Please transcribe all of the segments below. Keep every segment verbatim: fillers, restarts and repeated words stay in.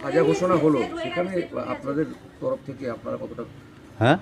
সাজা ঘোষণা হলো, সেখানে আপনাদের তরফ থেকে আপনারা কতটা হ্যাঁ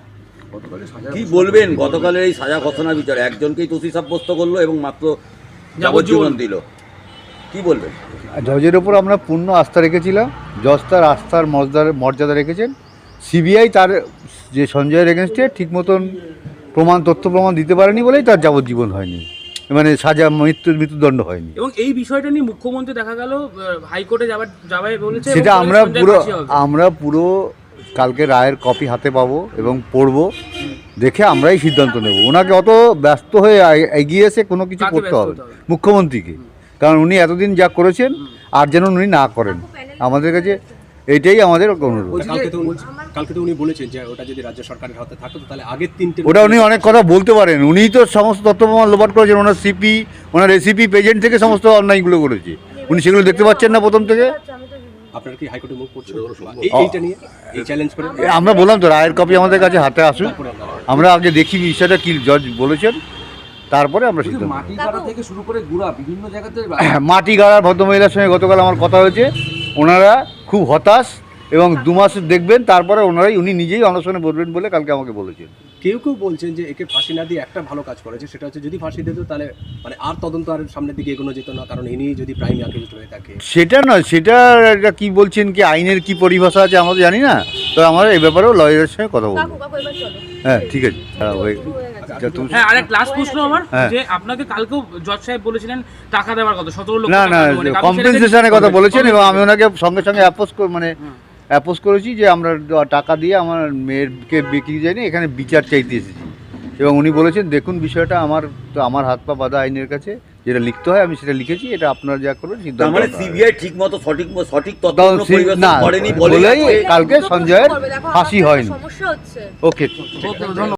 কি বলবেন? গতকালের এই সাজা ঘোষণা বিচারে একজনকেই দোষী সাব্যস্ত করলো এবং মাত্র যাবজ্জীবন দিল, কি বলবেন? জজের ওপর আমরা পূর্ণ আস্থা রেখেছিলাম, জজ তার আস্থার মর্যাদা মর্যাদা রেখেছেন। সিবিআই তার যে সঞ্জয়ের এগেনস্টে ঠিক মতন প্রমাণ তথ্য প্রমাণ দিতে পারেনি বলেই তার যাবজ্জীবন হয়নি, মানে সাজা মৃত্যুর মৃত্যুদণ্ড হয়নি। এবং এই বিষয়টা নিয়ে মুখ্যমন্ত্রী দেখা গেল হাইকোর্টে যাবার যাবে বলেছে, সেটা আমরা পুরো আমরা পুরো কালকে রায়ের কপি হাতে পাবো এবং পড়বো, দেখে আমরাই সিদ্ধান্ত নেব। ওনাকে অত ব্যস্ত হয়ে এগিয়ে এসে কোনো কিছু করতে হবে মুখ্যমন্ত্রীকে, কারণ উনি এতদিন যা করেছেন আর যেন উনি না করেন। আমাদের কাছে এইটাই আমাদের অনুরোধ। কালকে তো উনি বলেছেন যে ওটা যদি রাজ্য সরকারের হাতে থাকতো তাহলে আগের তিনটে ওটা উনি অনেক কথা বলতে পারেন, উনিই তো সমস্ত তথ্য প্রমাণ লোপাট করেছেন। ওনার সিপি ওনার এসিপি পেজেন্ট থেকে সমস্ত অন্যায়গুলো করেছে, উনি সেগুলো দেখতে পাচ্ছেন না প্রথম থেকে। আপনারা কি হাইকোর্টে মুভ করছেন এইটা নিয়ে, এই চ্যালেঞ্জ করে? আমরা বললাম তো রায়ের কপি আমাদের কাছে হাতে আসুন, আমরা আগে দেখি বিষয়টা কি জজ বলেছেন, তারপরে আমরা সিদ্ধান্ত। মাটি গাড়া থেকে শুরু করে গুড়া বিভিন্ন জায়গাতে মাটি গাড়ার ভদ্রমহিলার সঙ্গে গতকাল আমার কথা হয়েছে, ওনারা খুব হতাশ এবং দু মাস দেখবেন, তারপরে ওনারাই উনি নিজেই অনশনে বলবেন বলে কালকে আমাকে বলেছেন। কেউ কেউ বলছেন যে একে ফাঁসি না দিয়ে একটা ভালো কাজ করেছে, সেটা হচ্ছে যদি ফাঁসি দিত তাহলে মানে আর তদন্ত আর সামনের দিকে এগোনো যেত না, কারণ ইনি যদি প্রাইম অ্যাকিউজড হয়ে থাকে। সেটা নয়, সেটা এটা কি বলছেন, কি আইনের কি পরিভাষা আছে আমরা জানি না, তো আমরা এই ব্যাপারেও লয়ারের সঙ্গে কথা বলবো। হ্যাঁ ঠিক আছে। হ্যাঁ, আরেক লাস্ট প্রশ্ন আমার, যে আপনাকে কালকেও জজ সাহেব বলেছিলেন টাকা দেওয়ার কথা, সতেরো লক্ষ না না টাকা, কম্পেনসেশনের কথা বলেছেন এবং আমি ওনাকে সঙ্গে সঙ্গে অ্যাপোজ মানে অ্যাপোজ করেছি যে আমরা টাকা দিয়ে আমার মেয়েরকে বিক্রি যায়নি, এখানে বিচার চাইতে এসেছি। এবং উনি বলেছেন দেখুন বিষয়টা আমার তো আমার হাত পা বাঁধা আইনের কাছে, যেটা লিখতে হয় আমি সেটা লিখেছি, এটা আপনারা যা করবেন সিদ্ধান্ত। মানে সিবিআই ঠিক মতো সঠিক সঠিক তথ্য পরিবেশন না করেনি বলেই কালকে সঞ্জয়ের ফাঁসি হয়নি। ওকে।